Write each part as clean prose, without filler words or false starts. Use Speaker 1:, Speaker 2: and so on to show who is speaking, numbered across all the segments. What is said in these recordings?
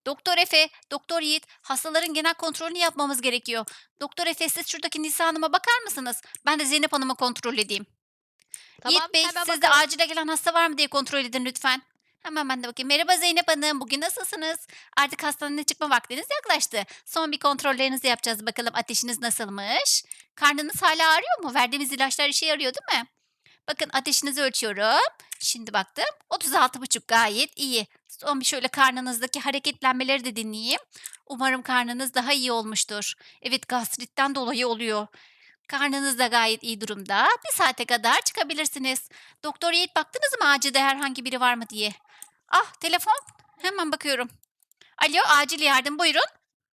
Speaker 1: Doktor Efe, Doktor Yiğit, hastaların genel kontrolünü yapmamız gerekiyor. Doktor Efe, siz şuradaki Nisa Hanım'a bakar mısınız? Ben de Zeynep Hanım'ı kontrol edeyim.
Speaker 2: Tamam,
Speaker 1: Yiğit Bey,
Speaker 2: hemen
Speaker 1: siz de
Speaker 2: bakalım.
Speaker 1: acile gelen hasta var mı diye kontrol edin lütfen. Hemen ben de bakayım. Merhaba Zeynep Hanım, bugün nasılsınız? Artık hastaneye çıkma vaktiniz yaklaştı. Son bir kontrollerinizi yapacağız bakalım ateşiniz nasılmış? Karnınız hala ağrıyor mu? Verdiğimiz ilaçlar işe yarıyor değil mi? Bakın ateşinizi ölçüyorum. Şimdi baktım. 36,5 gayet iyi. Son bir şöyle karnınızdaki hareketlenmeleri de dinleyeyim. Umarım karnınız daha iyi olmuştur. Evet, gastritten dolayı oluyor. Karnınız da gayet iyi durumda. Bir saate kadar çıkabilirsiniz. Doktor Yiğit, baktınız mı acilde herhangi biri var mı diye? Ah, telefon. Hemen bakıyorum. Alo, acil yardım, buyurun.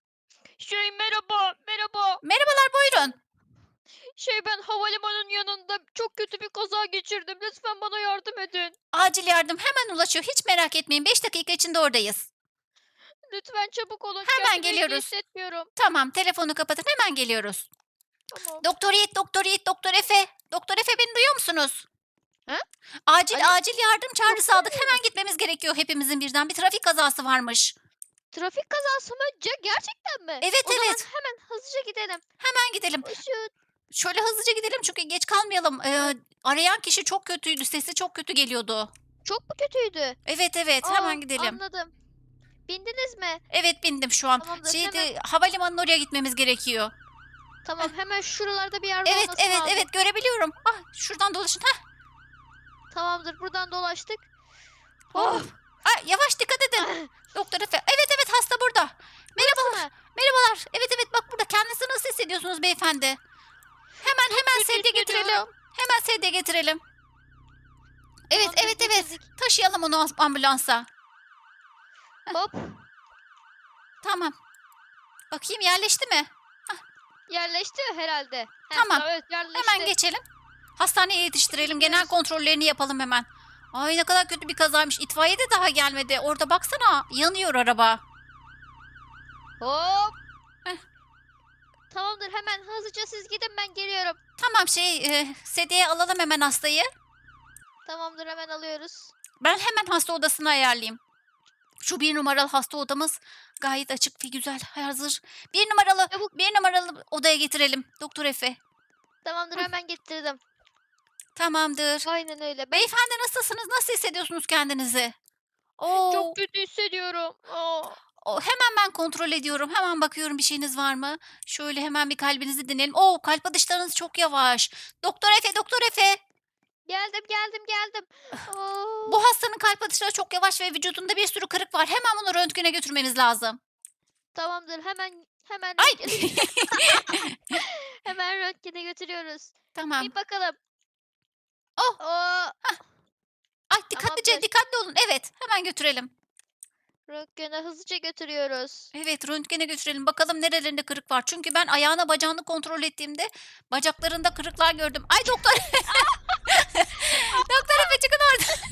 Speaker 2: Merhaba, merhaba.
Speaker 1: Merhabalar, buyurun.
Speaker 2: Ben havalimanının yanında çok kötü bir kaza geçirdim. Lütfen bana yardım edin.
Speaker 1: Acil yardım hemen ulaşıyor. Hiç merak etmeyin. 5 dakika içinde oradayız.
Speaker 2: Lütfen çabuk olun.
Speaker 1: Hemen
Speaker 2: Kendimi hiç iyi
Speaker 1: geliyoruz.
Speaker 2: hissetmiyorum.
Speaker 1: Tamam, telefonu kapatın. Hemen geliyoruz.
Speaker 2: Tamam.
Speaker 1: Doktor Yiğit, Doktor Yiğit, Doktor Efe. Doktor Efe, beni duyuyor musunuz?
Speaker 2: Ha?
Speaker 1: Acil
Speaker 2: Alo,
Speaker 1: acil yardım çağrısı
Speaker 2: doktor
Speaker 1: aldık.
Speaker 2: bey mi?
Speaker 1: Hemen gitmemiz gerekiyor hepimizin birden. Bir trafik kazası varmış.
Speaker 2: Trafik kazası mı? Gerçekten mi?
Speaker 1: Evet,
Speaker 2: O zaman
Speaker 1: evet.
Speaker 2: hemen hızlıca gidelim.
Speaker 1: Hemen gidelim.
Speaker 2: Koşun.
Speaker 1: Şöyle hızlıca gidelim çünkü geç kalmayalım. Arayan kişi çok kötüydü. Sesi çok kötü geliyordu.
Speaker 2: Çok mu kötüydü?
Speaker 1: Evet, evet.
Speaker 2: Aa,
Speaker 1: Hemen gidelim.
Speaker 2: anladım. Bindiniz mi?
Speaker 1: Evet, bindim şu an.
Speaker 2: Tamamdır. Hemen.
Speaker 1: Şeydi, havalimanının oraya gitmemiz gerekiyor. Heh.
Speaker 2: Tamam, hemen şuralarda bir yerde
Speaker 1: Evet,
Speaker 2: olması
Speaker 1: evet,
Speaker 2: lazım.
Speaker 1: evet, görebiliyorum. Ah, şuradan dolaşın. Heh.
Speaker 2: Tamamdır. Buradan dolaştık.
Speaker 1: Oh.
Speaker 2: Oh.
Speaker 1: Ah, yavaş dikkat edin. Doktor Efe. Evet, evet, hasta burada.
Speaker 2: Burası
Speaker 1: Merhabalar.
Speaker 2: mı?
Speaker 1: Merhabalar. Evet, evet, bak burada. Kendinizi nasıl hissediyorsunuz beyefendi? Hemen
Speaker 2: Çok
Speaker 1: hemen
Speaker 2: kötü
Speaker 1: sedye getirelim.
Speaker 2: hissediyorum.
Speaker 1: Hemen sedye getirelim. Evet,
Speaker 2: Tamamdır,
Speaker 1: evet, evet.
Speaker 2: getirdik.
Speaker 1: Taşıyalım onu ambulansa.
Speaker 2: Hop.
Speaker 1: Tamam. Bakayım yerleşti mi?
Speaker 2: Yerleşti herhalde.
Speaker 1: Tamam.
Speaker 2: Evet,
Speaker 1: Hemen
Speaker 2: yerleşti.
Speaker 1: geçelim. Hastaneye yetiştirelim. Genel
Speaker 2: Gidiyoruz.
Speaker 1: kontrollerini yapalım hemen. Ay, ne kadar kötü bir kazaymış. İtfaiye de daha gelmedi. Orada baksana. Yanıyor araba.
Speaker 2: Hop.
Speaker 1: Heh.
Speaker 2: Tamamdır, hemen hızlıca siz gidin, ben geliyorum.
Speaker 1: Tamam, sedyeye alalım hemen hastayı.
Speaker 2: Tamamdır, hemen alıyoruz.
Speaker 1: Ben hemen hasta odasını ayarlayayım. Şu bir numaralı hasta odamız gayet açık ve güzel. Hazır. Bir numaralı,
Speaker 2: Çabuk.
Speaker 1: bir numaralı odaya getirelim. Doktor Efe.
Speaker 2: Tamamdır,
Speaker 1: Hı,
Speaker 2: hemen getirdim.
Speaker 1: tamamdır.
Speaker 2: Aynen öyle. Ben
Speaker 1: Beyefendi, nasılsınız? Nasıl hissediyorsunuz kendinizi? Oo,
Speaker 2: çok kötü hissediyorum. Aa.
Speaker 1: hemen ben kontrol ediyorum. Hemen bakıyorum bir şeyiniz var mı? Şöyle hemen bir kalbinizi dinleyelim. Oo, kalp atışlarınız çok yavaş. Doktor Efe, Doktor Efe.
Speaker 2: Geldim, geldim, geldim. Aa.
Speaker 1: Bu hastanın kalp atışları çok yavaş ve vücudunda bir sürü kırık var. Hemen bunu röntgene götürmeniz lazım.
Speaker 2: Tamamdır, hemen
Speaker 1: Ay!
Speaker 2: röntgene hemen röntgene götürüyoruz.
Speaker 1: Tamam.
Speaker 2: Bir bakalım.
Speaker 1: Oh!
Speaker 2: Aa,
Speaker 1: Ay,
Speaker 2: tamamdır.
Speaker 1: dikkatli olun. Evet, hemen götürelim.
Speaker 2: Röntgene hızlıca götürüyoruz.
Speaker 1: Evet, röntgene götürelim. Bakalım nerelerinde kırık var. Çünkü ben ayağına bacağını kontrol ettiğimde bacaklarında kırıklar gördüm. Ay, doktor! Doktor Efe, çıkın oradan.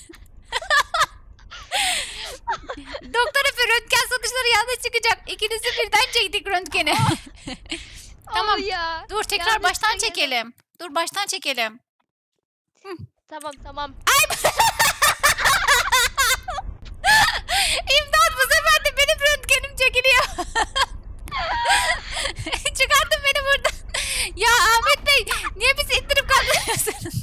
Speaker 1: Doktor Efe, röntgen sonuçları yanlış çıkacak. İkinizi birden çektik röntgeni. Tamam.
Speaker 2: Ya.
Speaker 1: Dur, tekrar
Speaker 2: Yanlış
Speaker 1: baştan
Speaker 2: çekelim.
Speaker 1: çekelim. Dur, baştan çekelim. Hıh.
Speaker 2: Tamam, tamam.
Speaker 1: İmdat, bu sefer de benim röntgenim çekiliyor. Çıkartın beni buradan. Ya Ahmet Bey, niye bizi ittirip kaldırıyorsunuz?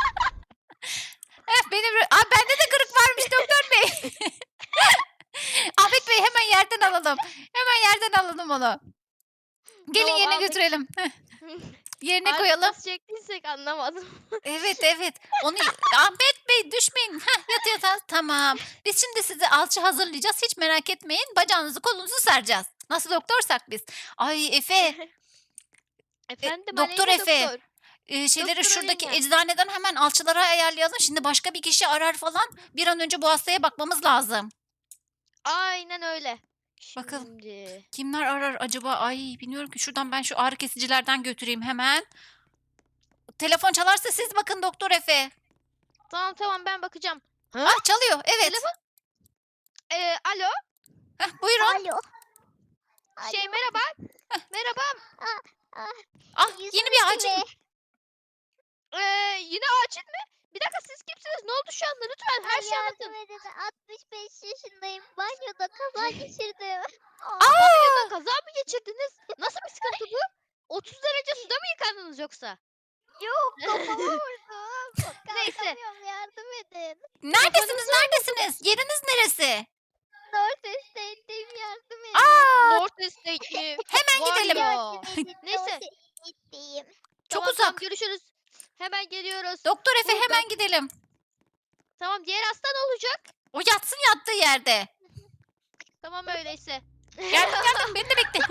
Speaker 1: Bende de kırık varmış doktor bey. Ahmet Bey, hemen yerden alalım. Hemen yerden alalım onu. Gelin
Speaker 2: Tamam,
Speaker 1: yerine
Speaker 2: Ahmet.
Speaker 1: götürelim. Yerine
Speaker 2: Artık
Speaker 1: koyalım.
Speaker 2: nasıl çektiysek anlamadım.
Speaker 1: Evet, evet. Onu Ahmet Bey, düşmeyin. Yat yatağa. Tamam. Biz şimdi size alçı hazırlayacağız. Hiç merak etmeyin. Bacağınızı kolunuzu saracağız. Nasıl doktorsak biz. Ay Efe.
Speaker 2: Efendim,
Speaker 1: Doktor
Speaker 2: Aleyna
Speaker 1: Efe.
Speaker 2: doktor.
Speaker 1: Şeyleri
Speaker 2: Doktor
Speaker 1: şuradaki
Speaker 2: Aleyna.
Speaker 1: eczaneden hemen alçılara ayarlayalım. Şimdi başka bir kişi arar falan. Bir an önce bu hastaya bakmamız lazım.
Speaker 2: Aynen öyle.
Speaker 1: Bakalım.
Speaker 2: Şimdi.
Speaker 1: Kimler arar acaba? Ay, bilmiyorum ki. Şuradan ben şu ağrı kesicilerden götüreyim hemen. Telefon çalarsa siz bakın Doktor Efe.
Speaker 2: Tamam, tamam, ben bakacağım. Ha?
Speaker 1: Ah, çalıyor. Evet.
Speaker 2: Telefon. Alo.
Speaker 1: Buyurun.
Speaker 3: Alo. Alo.
Speaker 2: Merhaba. Merhaba.
Speaker 3: Ah, ah,
Speaker 1: Ah, yeni bir
Speaker 3: yüzünüz
Speaker 1: acil.
Speaker 3: gibi.
Speaker 2: Yine acil mi? Bir dakika siz kimsiniz? Ne oldu şu anda? Lütfen her şeyi
Speaker 3: Yardım
Speaker 2: anlatın.
Speaker 3: edin. 65 yaşındayım. Banyoda kaza geçirdim.
Speaker 2: Banyoda kaza mı geçirdiniz? Nasıl bir sıkıntı bu? 30 derece suda mı yıkandınız yoksa?
Speaker 3: Yok kafama vurdum.
Speaker 2: Neyse.
Speaker 3: Kalkamıyorum, yardım edin.
Speaker 1: Neredesiniz? Neredesiniz? Yeriniz neresi?
Speaker 3: North Estate'deyim, yardım edin.
Speaker 1: Aa,
Speaker 2: North Estate mi?
Speaker 1: hemen
Speaker 2: Vay
Speaker 1: gidelim.
Speaker 2: ya.
Speaker 3: Yardım edin.
Speaker 2: Neyse.
Speaker 3: North Estate'deyim.
Speaker 1: Çok
Speaker 2: Tamam,
Speaker 1: uzak.
Speaker 2: görüşürüz. Hemen geliyoruz.
Speaker 1: Doktor Efe
Speaker 2: Burada.
Speaker 1: hemen gidelim.
Speaker 2: Tamam, diğer hasta ne olacak?
Speaker 1: O yatsın yattığı yerde.
Speaker 2: Tamam öyleyse.
Speaker 1: Geldim beni de bekle.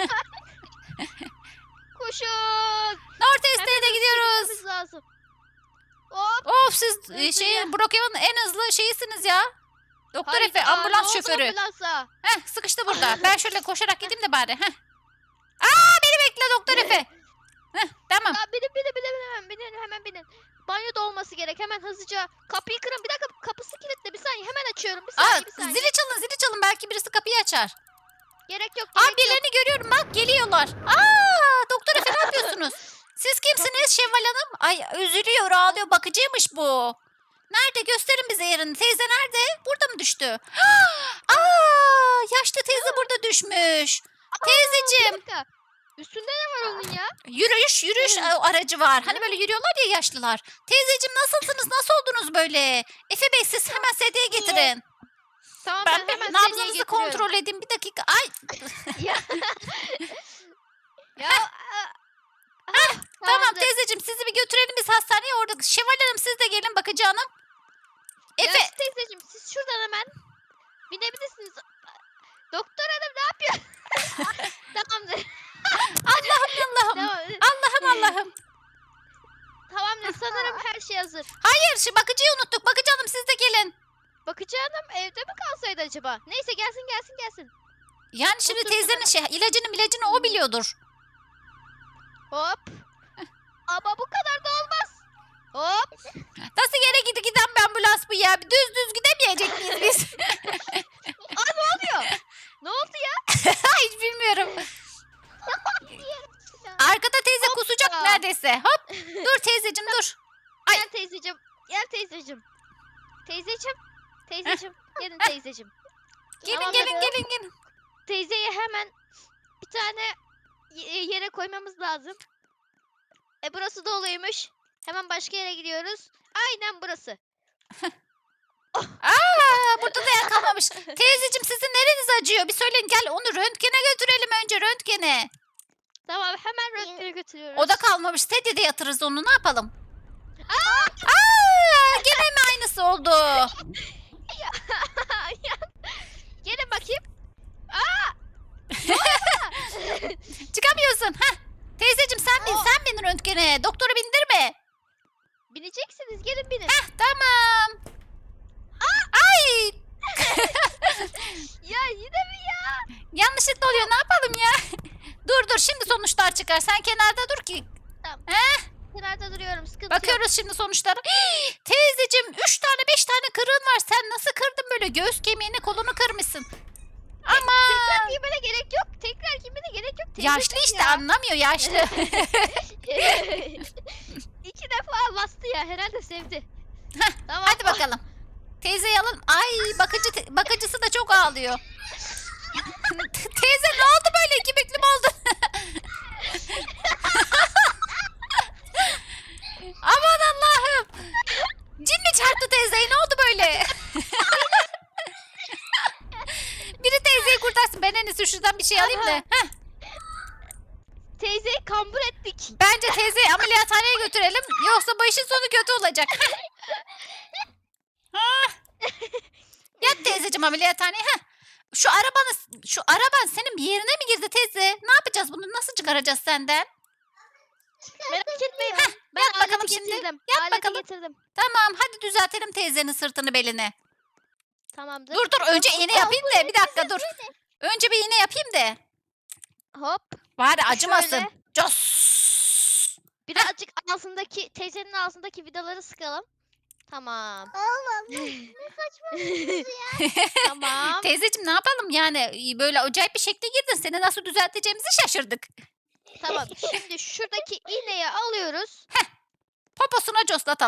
Speaker 2: Koşun.
Speaker 1: North
Speaker 2: Hemen
Speaker 1: Estate'e
Speaker 2: hızlı
Speaker 1: gidiyoruz.
Speaker 2: gitmemiz lazım. Hop.
Speaker 1: Of siz
Speaker 2: Hızlı ya.
Speaker 1: Brookhaven'ın en hızlı şeyisiniz ya. Doktor Efe
Speaker 2: Hayda, ne
Speaker 1: ambulans
Speaker 2: oldu
Speaker 1: şoförü.
Speaker 2: ambulansa?
Speaker 1: Heh, sıkıştı burada. Ben şöyle koşarak gideyim de bari. Heh. Aa, beni bekle Doktor Efe. Heh, tamam.
Speaker 2: Ya binin hemen binin. Banyoda olması gerek. Hemen hızlıca kapıyı kırın. Bir dakika, kapısı kilitli. Bir saniye, hemen açıyorum. Bir
Speaker 1: Aa,
Speaker 2: saniye, bir saniye.
Speaker 1: zili çalın. Belki birisi kapıyı açar.
Speaker 2: Gerek yok,
Speaker 1: Aa,
Speaker 2: gerek yok.
Speaker 1: birilerini görüyorum bak geliyorlar. Aa, Doktor Efe ne yapıyorsunuz? Siz kimsiniz Şevval Hanım? Ay üzülüyor ağlıyor bakıcıymış bu. Nerede gösterin bize yerini. Teyze nerede? Burada mı düştü? Aa, yaşlı teyze burada düşmüş.
Speaker 2: Bir
Speaker 1: Teyzeciğim
Speaker 2: dakika. Üstünde ne var onun ya?
Speaker 1: yürüyüş aracı var. Hani böyle yürüyorlar ya yaşlılar. Teyzeciğim nasılsınız? Nasıl oldunuz böyle? Efe Bey siz hemen sedyeye getirin.
Speaker 2: Tamam,
Speaker 1: Ben
Speaker 2: ben hemen sedyeye
Speaker 1: nabzınızı
Speaker 2: getiriyorum.
Speaker 1: kontrol edeyim bir dakika. Ay
Speaker 2: Ya. Ya.
Speaker 1: tamam
Speaker 2: Tamamdır.
Speaker 1: teyzeciğim sizi bir götürelim biz hastaneye. Orada Şevval Hanım siz de gelin bakıcı hanım. Efe
Speaker 2: Ya teyzeciğim, siz şuradan hemen binebilirsiniz. Doktor hanım ne yapıyor? Tamamdır.
Speaker 1: Allah'ım. Allah'ım.
Speaker 2: Tamamdır, sanırım her şey hazır.
Speaker 1: Hayır şu bakıcıyı unuttuk. Bakıcı hanım siz de gelin.
Speaker 2: Bakıcı hanım evde mi kalsaydı acaba? Neyse, gelsin.
Speaker 1: Yani şimdi
Speaker 2: Otursun
Speaker 1: teyzenin ilacını o biliyordur.
Speaker 2: Hop. Ama bu kadar da olmaz. Hop.
Speaker 1: Nasıl yere giden bir ambulans bu ya? Düz gidemeyecek miyiz biz?
Speaker 2: Ne oldu ya?
Speaker 1: Hiç bilmiyorum. Arkada teyze kusacak
Speaker 2: Hoppa.
Speaker 1: neredeyse. Hop. Dur teyzeciğim dur. Ay.
Speaker 2: Gel teyzeciğim. Teyzeciğim. Gelin teyzeciğim. Tamamdır.
Speaker 1: Gelin.
Speaker 2: Teyzeyi hemen bir tane yere koymamız lazım. Burası doluymuş. Hemen başka yere gidiyoruz. Aynen burası.
Speaker 1: Aa, burada da yer kalmamış. Teyzeciğim sizin nereniz acıyor? Bir söyleyin gel onu röntgene götürelim önce röntgene.
Speaker 2: Tamam, hemen röntgene götürüyoruz.
Speaker 1: O da kalmamış. Sedyede yatırırız onu ne yapalım? Gene mi aynısı oldu?
Speaker 2: Gelin bakayım.
Speaker 1: Çıkamıyorsun. Heh. Teyzeciğim sen bin röntgene. Doktoru bindirme.
Speaker 2: Bineceksiniz, gelin binin.
Speaker 1: Tamam. Ay
Speaker 2: Ya yine mi ya?
Speaker 1: yanlışlıkla oluyor ne yapalım ya? Dur şimdi sonuçlar çıkar. Sen kenarda dur ki.
Speaker 2: Kenarda duruyorum, sıkıntı yok.
Speaker 1: Bakıyoruz şimdi sonuçlara. Hii, teyzeciğim 3 tane 5 tane kırığın var. Sen nasıl kırdın böyle göğüs kemiğini kolunu kırmışsın. Ama
Speaker 2: Tekrar giymene gerek yok.
Speaker 1: yaşlı işte anlamıyor yaşlı.
Speaker 2: 2 defa bastı ya, herhalde sevdi. Tamam.
Speaker 1: Hadi bakalım. Teyzeyi alalım. Ay bakıcısı da çok ağlıyor. Teyze ne oldu böyle iki büklüm oldun? Aman Allah'ım. Cin mi çarptı teyzeyi ne oldu böyle? Biri teyzeyi kurtarsın. Ben en iyisi şuradan bir şey alayım da. Heh.
Speaker 2: Teyzeyi kambur ettik.
Speaker 1: Bence teyzeyi ameliyathaneye götürelim. Yoksa bu işin sonu kötü olacak. Hah. Yat teyzeciğim ameliyathaneye. Heh. Şu araban senin bir yerine mi girdi teyze? Ne yapacağız bunu? Nasıl çıkaracağız senden?
Speaker 2: Merak etmeyin. Ben
Speaker 1: yat
Speaker 2: aleti
Speaker 1: bakalım şimdi.
Speaker 2: getirdim.
Speaker 1: Yat
Speaker 2: Aleti
Speaker 1: bakalım.
Speaker 2: getirdim.
Speaker 1: Tamam hadi düzeltelim teyzenin sırtını belini.
Speaker 2: Tamamdır.
Speaker 1: Dur önce iğne yapayım da bir dakika dur. Önce bir iğne yapayım da.
Speaker 2: Hop.
Speaker 1: Bari acımasın.
Speaker 2: Şöyle.
Speaker 1: Cos.
Speaker 2: Birazcık teyzenin ağzındaki vidaları sıkalım. Tamam.
Speaker 3: Allah'ım ne saçma.
Speaker 2: Tamam.
Speaker 1: Teyzeciğim ne yapalım yani böyle acayip bir şekle girdin. Seni nasıl düzelteceğimizi şaşırdık.
Speaker 2: Tamam. Şimdi şuradaki iğneyi alıyoruz.
Speaker 1: Poposuna coslatalım.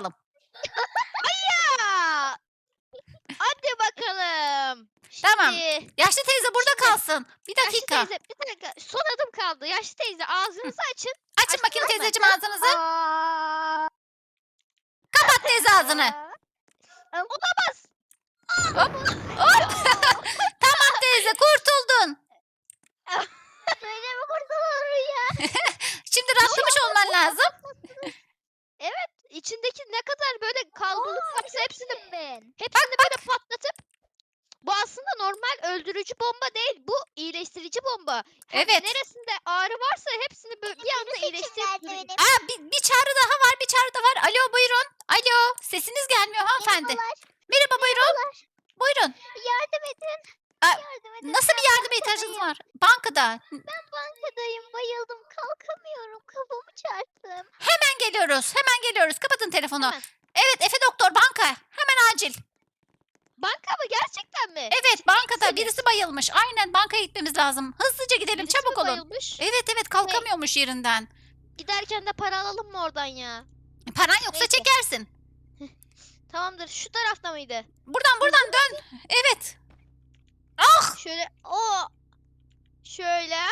Speaker 2: Ya! Hadi bakalım.
Speaker 1: Tamam.
Speaker 2: Şimdi,
Speaker 1: Yaşlı teyze burada kalsın. Bir
Speaker 2: yaşlı
Speaker 1: dakika.
Speaker 2: teyze bir dakika. Son adım kaldı. Yaşlı teyze ağzınızı açın.
Speaker 1: Açın bakayım
Speaker 2: Açtınız mı?
Speaker 1: teyzeciğim ağzınızı.
Speaker 3: Aa,
Speaker 1: Kapat teyze ağzını.
Speaker 2: Olamaz.
Speaker 1: Hop. Tamam teyze kurtuldun.
Speaker 3: böyle mi kurtulur ya?
Speaker 1: Şimdi rahatlamış olman lazım.
Speaker 2: İçindeki ne kadar böyle kalbılık varsa
Speaker 3: Ben.
Speaker 2: hepsini böyle patlatıp bu aslında normal öldürücü bomba değil. Bu iyileştirici bomba.
Speaker 1: Evet.
Speaker 2: Neresinde ağrı varsa hepsini böyle bir anda
Speaker 3: Seçim
Speaker 2: iyileştirip
Speaker 3: verdi
Speaker 2: duruyor.
Speaker 3: benim.
Speaker 1: Aa, bir çağrı daha var, bir çağrı daha var. Alo buyurun. Alo, sesiniz gelmiyor hanımefendi.
Speaker 3: Merhabalar,
Speaker 1: Merhaba buyurun. Buyurun.
Speaker 3: yardım edin.
Speaker 1: Aa,
Speaker 3: Yardım edin.
Speaker 1: Nasıl bir yardıma ihtiyacınız var? Bankada.
Speaker 3: Ben bankadayım. Bayıldım. Kalkamıyorum. Kafamı çarptım.
Speaker 1: Hemen geliyoruz. Hemen geliyoruz. Kapatın telefonu.
Speaker 2: Hemen.
Speaker 1: Evet Efe doktor banka. Hemen acil.
Speaker 2: Banka mı gerçekten mi?
Speaker 1: Evet bankada
Speaker 2: misiniz?
Speaker 1: birisi bayılmış. Aynen bankaya gitmemiz lazım. Hızlıca gidelim
Speaker 2: Birisi mi
Speaker 1: çabuk olun.
Speaker 2: bayılmış?
Speaker 1: Evet evet kalkamıyormuş yerinden.
Speaker 2: Giderken de para alalım mı oradan ya?
Speaker 1: Paran yoksa
Speaker 2: Neyse.
Speaker 1: çekersin.
Speaker 2: Tamamdır. Şu tarafta mıydı?
Speaker 1: Buradan dön. Evet. Ah!
Speaker 2: Şöyle şöyle.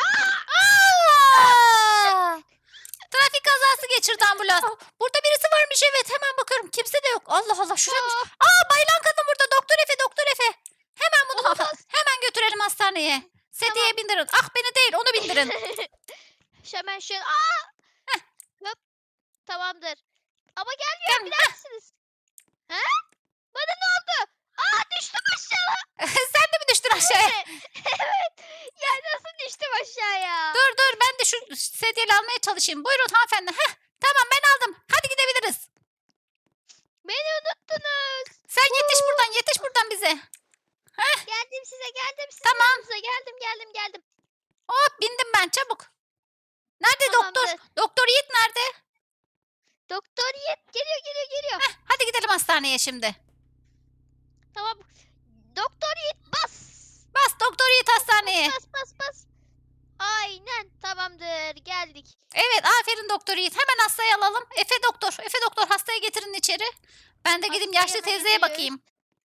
Speaker 1: Aa! Trafik kazası geçirdi ambulans. Burada birisi varmış evet hemen bakıyorum. Kimse de yok. Allah Allah şuraymış. Bayılan kadın burada. Doktor Efe, Doktor Efe. Hemen bunu
Speaker 2: Olamaz.
Speaker 1: hemen götürelim hastaneye. Sediye bindirin. Ah beni değil onu bindirin.
Speaker 2: Hemen şöyle. Hop. Tamamdır. Ama
Speaker 1: Gel.
Speaker 2: gelmiyor. Bilir misiniz? He? Bana ne oldu? Düştüm aşağı.
Speaker 1: Sen de mi düştün aşağıya?
Speaker 2: Evet. Ya nasıl düştüm aşağıya?
Speaker 1: Dur ben de şu sedyeyi almaya çalışayım. Buyurun hanımefendi. Heh, tamam ben aldım. Hadi gidebiliriz.
Speaker 2: Beni unuttunuz.
Speaker 1: Sen yetiş buradan bize.
Speaker 2: Geldim size geldim. Sizin
Speaker 1: Tamam.
Speaker 2: yanınıza geldim.
Speaker 1: Hop bindim ben çabuk. Nerede doktor?
Speaker 2: Tamamdır.
Speaker 1: Doktor Yiğit nerede?
Speaker 2: Doktor Yiğit geliyor.
Speaker 1: Hadi gidelim hastaneye şimdi.
Speaker 2: Tamam. Doktor Yiğit bas.
Speaker 1: Bas Doktor Yiğit hastaneye.
Speaker 2: Bas. Aynen tamamdır geldik.
Speaker 1: Evet aferin Doktor Yiğit. Hemen hastayı alalım. Efe doktor hastayı getirin içeri. Ben de gideyim
Speaker 2: Hastayı
Speaker 1: yaşlı
Speaker 2: hemen
Speaker 1: teyzeye
Speaker 2: getiriyoruz.
Speaker 1: bakayım.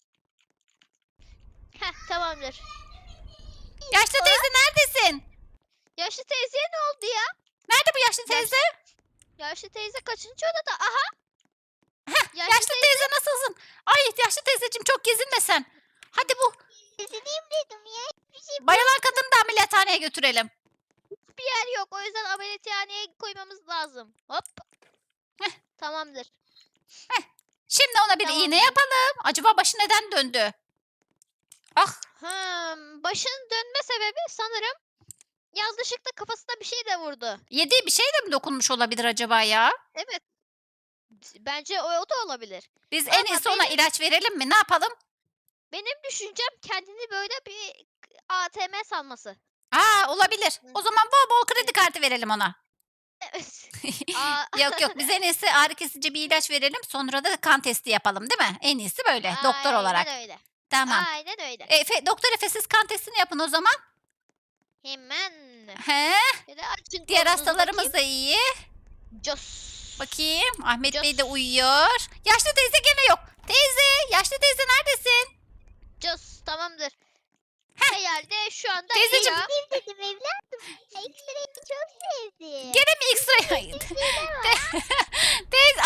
Speaker 2: Tamamdır.
Speaker 1: Yaşlı teyze neredesin?
Speaker 2: Yaşlı teyzeye ne oldu ya?
Speaker 1: Nerede bu yaşlı teyze?
Speaker 2: Yaşlı teyze kaçıncı odada? Aha.
Speaker 1: Yaşlı teyze nasılsın? Ay yaşlı teyzeciğim çok gezinme sen. Hadi bu
Speaker 3: Üzüleyim dedim ya. Hiçbir şey
Speaker 1: bayılan kadını da ameliyathaneye götürelim.
Speaker 2: Bir yer yok. O yüzden ameliyathaneye koymamız lazım. Hop. Tamamdır.
Speaker 1: Şimdi ona bir iğne
Speaker 2: Tamamdır.
Speaker 1: yapalım. Acaba başı neden döndü? Ah
Speaker 2: Başın dönme sebebi sanırım yanlışlıkla kafasına bir şey de vurdu.
Speaker 1: yediği bir şey de mi dokunmuş olabilir acaba ya?
Speaker 2: Evet. Bence o da olabilir.
Speaker 1: Biz en
Speaker 2: Vallahi
Speaker 1: iyisi ona ilaç verelim mi? Ne yapalım?
Speaker 2: Benim düşüncem kendini böyle bir ATM sanması.
Speaker 1: Olabilir. O zaman bol bol kredi kartı verelim ona.
Speaker 2: Evet.
Speaker 1: Yok biz en iyisi ağrı kesici bir ilaç verelim. Sonra da kan testi yapalım değil mi? En iyisi böyle doktor olarak.
Speaker 2: Aynen öyle.
Speaker 1: Tamam.
Speaker 2: Aynen öyle.
Speaker 1: Doktor Efe siz kan testini yapın o zaman.
Speaker 2: Hemen.
Speaker 1: He,
Speaker 2: Şöyle açın
Speaker 1: diğer
Speaker 2: kolunuzu
Speaker 1: hastalarımız da iyi.
Speaker 2: bakayım. Cos.
Speaker 1: Bakayım Ahmet Bey de
Speaker 2: Cos.
Speaker 1: uyuyor. Yaşlı teyze gene yok. Yaşlı teyze neredesin?
Speaker 2: Cos. Tamamdır. Herhalde şu anda
Speaker 1: Teyzeciğim,
Speaker 2: iyi.
Speaker 3: sevdim dedim evladım. Ekstrayı çok sevdim.
Speaker 1: Gene mi X-ray? Teyze.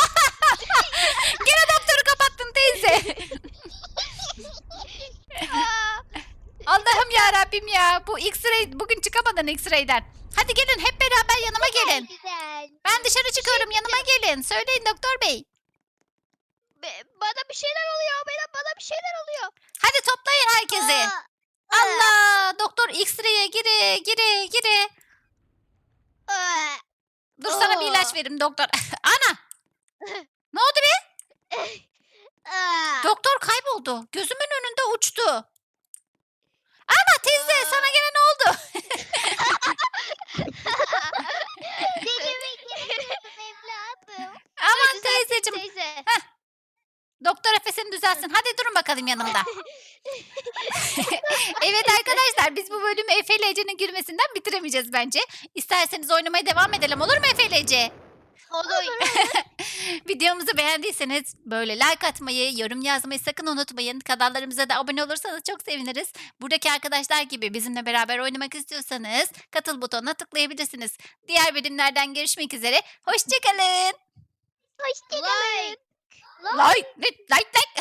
Speaker 1: Gene doktoru kapattın teyze.
Speaker 2: Aa,
Speaker 1: Allah'ım ya Rabbim ya. Bu X-ray bugün çıkamadın X-ray'den. Hadi gelin hep beraber yanıma gelin.
Speaker 3: Güzel.
Speaker 1: Ben dışarı çıkıyorum yanıma gelin. Söyleyin doktor bey.
Speaker 2: bana bir şeyler oluyor. Bana bir şeyler oluyor.
Speaker 1: Hadi toplayın herkesi. Allah doktor X-ray'e gire.
Speaker 2: Aa,
Speaker 1: Dur sana bir ilaç vereyim doktor. Ana. Ne oldu be?
Speaker 2: aa.
Speaker 1: Doktor kayboldu. Gözümün önünde uçtu. Ana teyze sana gene ne oldu?
Speaker 3: Delirmek istiyordum evladım.
Speaker 1: Aman
Speaker 2: Düzelttim
Speaker 1: teyzeciğim.
Speaker 2: Teyze.
Speaker 1: Doktor Efes'ini düzelsin. Hadi durun bakalım yanımda. Evet arkadaşlar biz bu bölümü Efe ile Ece'nin gülmesinden bitiremeyeceğiz bence. İsterseniz oynamaya devam edelim olur mu Efe ile Ece?
Speaker 2: Olur.
Speaker 1: Videomuzu beğendiyseniz böyle like atmayı, yorum yazmayı sakın unutmayın. Kanallarımıza da abone olursanız çok seviniriz. Buradaki arkadaşlar gibi bizimle beraber oynamak istiyorsanız katıl butonuna tıklayabilirsiniz. Diğer bölümlerden görüşmek üzere. Hoşça kalın.
Speaker 3: Hoşçakalın.
Speaker 2: Like.
Speaker 1: Like, like, like.